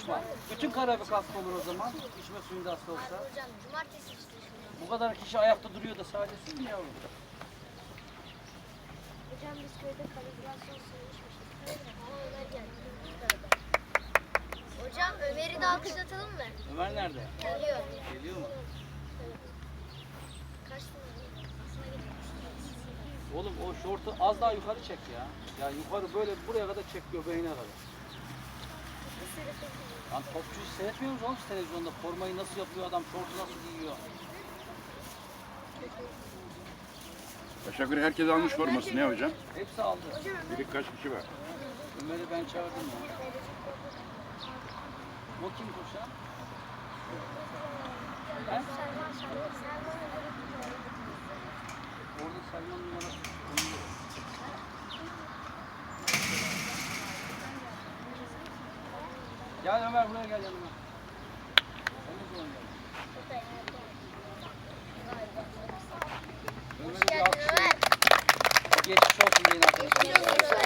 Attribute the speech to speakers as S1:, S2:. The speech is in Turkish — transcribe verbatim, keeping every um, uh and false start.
S1: kaçma. Bütün Karabük hasta olur o zaman. İçme suyunda hasta olsa.
S2: Hocam cumartesi işte.
S1: Bu kadar kişi ayakta duruyor da sadece siz mi yavrum?
S2: Hocam biz köyde kalibrasyon suyu içmiştik. Ama Ömer geldi. Hocam Ömer'i de alkışlatalım mı?
S1: Ömer nerede?
S2: Geliyor.
S1: Geliyor mu?
S2: Kaç tane?
S1: Oğlum o şortu az daha yukarı çek ya. Ya yukarı böyle buraya kadar çek göbeğine kadar. Lan topçuyu seyretmiyor musunuz oğlum televizyonda? Formayı nasıl yapıyor adam, şortu nasıl giyiyor?
S3: Aşağı yukarı herkes almış forması ne hocam?
S1: Hepsi aldı.
S3: Bir kaç kişi var?
S1: Ömer'i ben çağırdım ya. O kim koşan? He? Orada Selman numarası. Gel Ömer buraya gel yanıma. Sen ne zaman geldin? Ömer'i bir
S2: Geldin
S1: alkışlayın.
S2: Ömer.
S1: Geçmiş olsun deyin arkadaşlar.